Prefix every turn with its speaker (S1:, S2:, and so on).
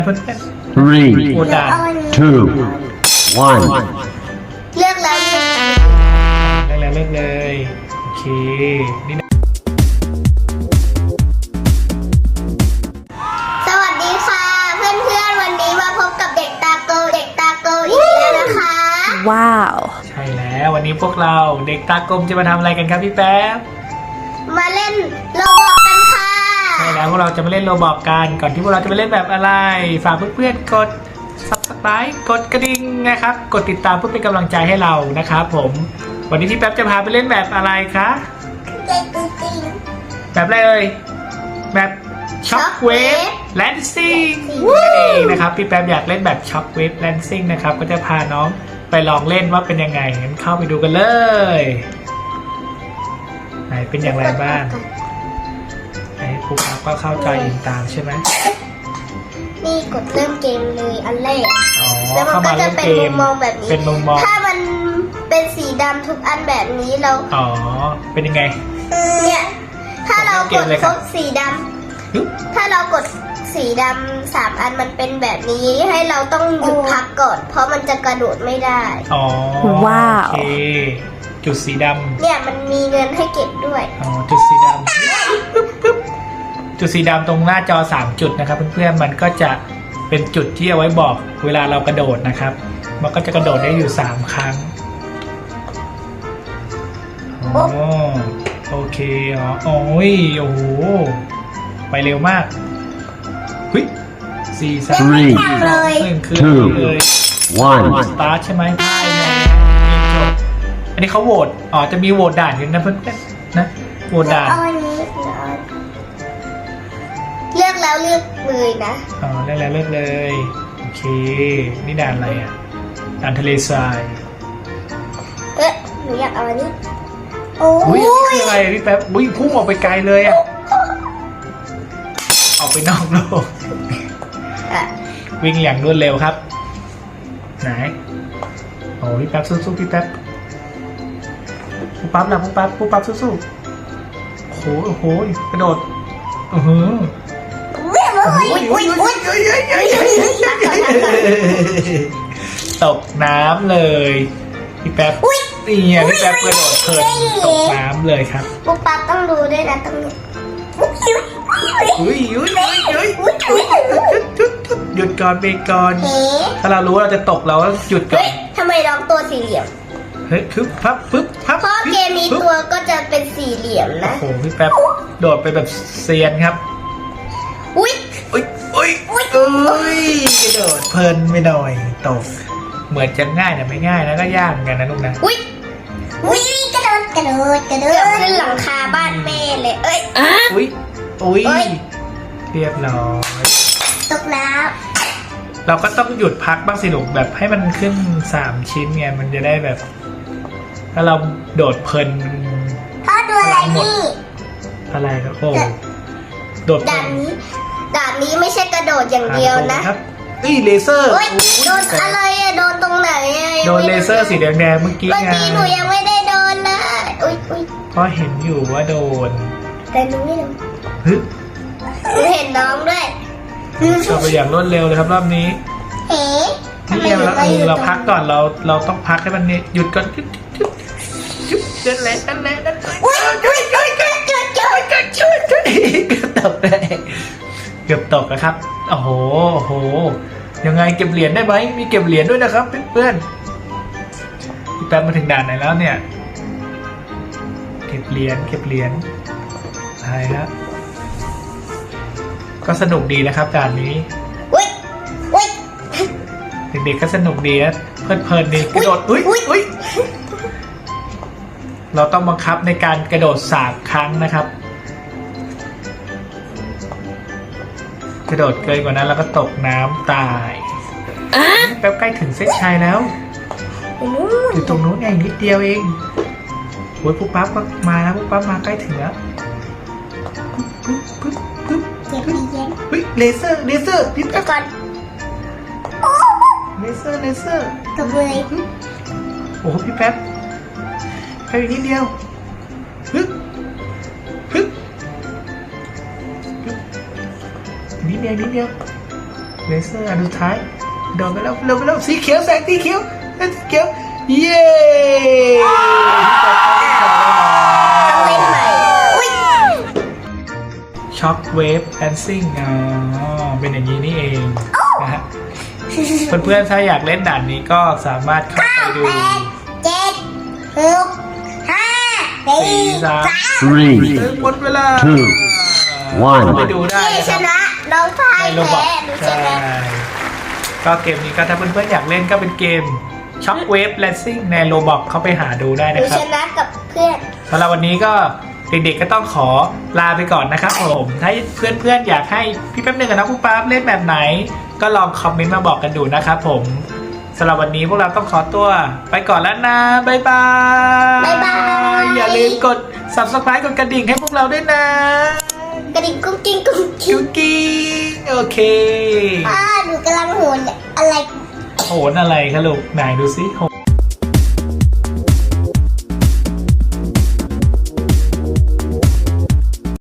S1: Three,
S2: โอดา
S1: two, one.
S3: เลือกแล้ว
S2: เลิกเลยโอเคนี่นะ
S3: สวัสดีค่ะ เพื่อนๆวันนี้มาพบกับเด็กตาโกอีกแล้วนะคะ
S4: ว้าว
S2: ใช่แล้ววันนี้พวกเราเด็กตากลมจะมาทำอะไรกันครับพี่แป๊บ
S3: มาเล่นโรบอกกันค่ะ
S2: ใช่แล้วพวกเราจะมาเล่นโรบอกกันก่อนที่พวกเราจะไปเล่นแบบอะไรฝากเพื่อนๆกด Subscribe กดกระดิ่งนะครับกดติดตามเพื่อเป็นกำลังใจให้เรานะครับผมวันนี้พี่แป๊บจะพาไปเล่นแบบอะไรคะแบบอะไรเอ่ยแบบช็อคเวฟแลนซิ่งนั่นเองนะครับพี่แป๊บอยากเล่นแบบช็อคเวฟแลนซิ่งนะครับก็จะพาน้องไปลองเล่นว่าเป็นยังไงงั้นเข้าไปดูกันเลยไหนเป็นอย่างไรบ้างไหนปุ๊บปั๊บก็เข้าใจอินตามใช่ไหม
S3: นี่กดเริ่มเกมเลยอันแรก
S2: อ๋อ
S3: แล้วมัน
S2: เข้า
S3: ก็
S2: มา
S3: จะ
S2: เล่น
S3: เป็น
S2: เก
S3: มุ
S2: ม
S3: มมองแบบนี้
S2: เป็นมุมมอง
S3: ถ้ามันเป็นสีดำทุกอันแบบนี้เรา
S2: อ๋อเป็นยังไง
S3: เนี่ยถ้าเรากดครบสีด
S2: ฮึบ
S3: ำถ้าเรากดสีดำ3 อันมันเป็นแบบนี้ให้เราต้องหยุดพักก่อน เพราะมันจะกระโดดไม่ได้
S2: อ๋อ
S4: ว้าว
S2: โอเคจุดสีดำ
S3: เนี่ยมันมีเงินให้เก็บด้วย
S2: อ๋อจุดสีดำปึ๊บปึ๊บจุดสีดำตรงหน้าจอ3จุดนะครับเพื่อนๆมันก็จะเป็นจุดที่เอาไว้บอกเวลาเรากระโดดนะครับมันก็จะกระโดดได้อยู่3ครั้งอ๋อโอเคอ๋อโอ้ยโอ้โหไปเร็วมากเฮ้ย4 3
S1: Three,
S3: เลย
S2: 1คือ
S1: two,
S2: เลย
S1: one.
S2: สตาร์ทใช่ไหมใช่จบอันนี้เขาโหวตอ๋อจะมีโหวตด่านกันนะเพื่อนๆนะโหวตด่าน
S3: เอาอันนี้เลือกแล้วเลือกเลยนะ
S2: อ๋อเลิกแล้วเลิกเลยโอเคนี่ด่านอะไรอ่ะด่านทะเลทราย
S3: หนูอยากเอาอันนี้โอ้
S2: อุ้ย
S3: ย
S2: คืออะไรอะพี่แป๊บอุ้ยพุ่งออกไปไกลเลยอ่ะออกไปนอกโลก
S3: อ่ะ
S2: วิ่งอย่างรวดเร็วครับไหนโอ้พี่แป๊บสู้ๆพี่แป๊บปุ๊บปั๊บนะปุ๊บปั๊บสู้ๆโอ้โหโอ้โหกระโดดอือหือ ตกน้ำเลยพี่แป๊บนี่ไงพี่แป๊บกระโดดเพลินตกน้ำเลยครับ
S3: ปุ๊บปั๊บต้องดูด้วยนะต้อง
S2: อุ้ยหยุดก่อนเบรกก่อน
S3: เฮ้
S2: ถ้าเรารู้ว่าเราจะตกเราก็หยุดก่อ
S3: เฮ้
S2: น
S3: ยทำไมน้องตัวสี่เหลี่ยม
S2: เฮ้ยปึ๊บพับปึ๊บพับ
S3: เพราะเกมนี้ตัวก็จะเป็นสี่เหลี่ยม
S2: โอ้
S3: นะ
S2: โหพี่แป๊บโดดไปแบบเซียนครับ
S3: อุ้ย
S2: อุ้ยกระโดดเพลินไม่หน่อยตกเหมือนจะง่ายแต่ไม่ง่ายนะก็ยากเหมือนกันนะลูกนะ
S3: อุ้ยกระโดดขึ้นหลังคาบ้านแม่เลยเอ้ย
S2: อุ้ย
S3: เอ้ย
S2: เรียบร้อย
S3: ตกน้
S2: เราก็ต้องหยุดพักบ้างสิลูกแบบให้มันขึ้น3 ชิ้นไงมันจะได้แบบ ถ้าเราโดดเพลิน
S3: ำพ่อดูอะไรนี่
S2: อะไรครับโอ้โดดเพลิ
S3: ด่านนี้ไม่ใช่กระโดดอย่างเดียวนะ
S2: ครับนี่เลเซอร์
S3: เฮ้ยโดนอะไรอะโดนตรงไหนอะ
S2: โดนเลเซอร์สีแดงๆเมื่อกี้
S3: เมื่อ
S2: ไง
S3: กี้หนูยังไม่ได้โดนเลยอุ้ย
S2: เพราะเห็นอยู่ว่าโดน
S3: แต่หนูไม่โดน
S2: ฮึบ
S3: หนูเห็นน้องด้วย
S2: ก็ไปอย่างรวดเร็วเลยครับรอบนี้
S3: เฮ้ทำ
S2: นี่
S3: ไม
S2: ไง
S3: หนูไปอยู่
S2: เรา
S3: ตรง
S2: พักก่อนเราต้องพักให้มันหยุดก่อนจุ๊บนั่นแหละ
S3: อุ้ย
S2: เกือบตกได้เกือบตกนะครับโอ้โหยังไงเก็บเหรียญได้ไหมมีเก็บเหรียญด้วยนะครับเพื่อนๆพี่แป๊บมาถึงด่านไหนแล้วเนี่ยเก็บเหรียญใช่ครับก็สนุกดีนะครับด่านนี้
S3: อุ้ย
S2: เด็กๆก็สนุกดีนะเพลินดีกระโดดอุ้ยเราต้องบังคับในการกระโดด3 ครั้งนะครับกระโดดเกินกว่านั้นแล้วก็ตกน้ำตายแป๊บใกล้ถึงเส้นชัยแล้วอยู่ตรงนู้นเองนิดเดียวเองโอ้ยปุ๊บปั๊บก็มาแล้วปุ๊บปั๊บมาใกล้ถึงแล้วปึ๊บ
S3: เก็บเหรียญ
S2: เฮ้ยเลเซอร์พี่
S3: เดี๋
S2: แป๊บ
S3: ยวก่อน
S2: เลเซอร์
S3: ตบเลย
S2: โอ้โหพี่แป๊บแค่อีกนิดเดียวฮึบนิดเดียวเลเซอร์อันสุดท้ายโดนไปแล้วเร็วไปแล้วสีเขียวแสงสีเขียวสีเขียวเย้
S3: ต้องเล่นใหม่อุ้ย
S2: ช็อคเวฟแอนซิ่งเป็นอย่างนี้นี่เองนะฮะเพื่อนๆถ้าอยากเล่นด่านนี้ก็สามารถเข้าไปดู
S3: 8 7 6 5 4 3
S1: Three,
S2: หมดเวลา
S1: two, one
S2: ไปดูได้
S3: พี่
S2: นะ
S3: ช
S2: ครับ
S3: นะน้องพาย
S2: ในโรบอ
S3: แพ้
S2: ท
S3: หนูช
S2: ใช่
S3: นะ
S2: ก็เกมนี้ก็ถ้าเพื่อนๆอยากเล่นก็เป็นเกมช็อคเวฟแลนซิ่งในโรบอทเข้าไปหาดูได้
S3: หนู
S2: นะครั
S3: ช
S2: บ
S3: นะกับเพื่อน
S2: สำหรับวันนี้ก็เด็กๆก็ต้องขอลาไปก่อนนะครับผมถ้าเพื่อนๆอยากให้พี่แป๊บหนึงกับน้องปุ๊บปั๊บเล่นแบบไหน ก็ลองคอมเมนต์มาบอกกันดูนะครับผมสำหรับวันนี้พวกเราต้องขอตัวไปก่อนแล้วนะบ๊ายบาย
S3: บ๊ายบาย
S2: อย่าลืมกด subscribe กดกระดิ่งให้พวกเราด้วยนะ
S3: กระดิ่งกุ้งกิ้งกุ้งกิ้
S2: กิ้
S3: ง
S2: วกิ้งโอเค
S3: หนูกำลังโหนอะไร
S2: โหนอะไรคะลูกไหนดูสิโหน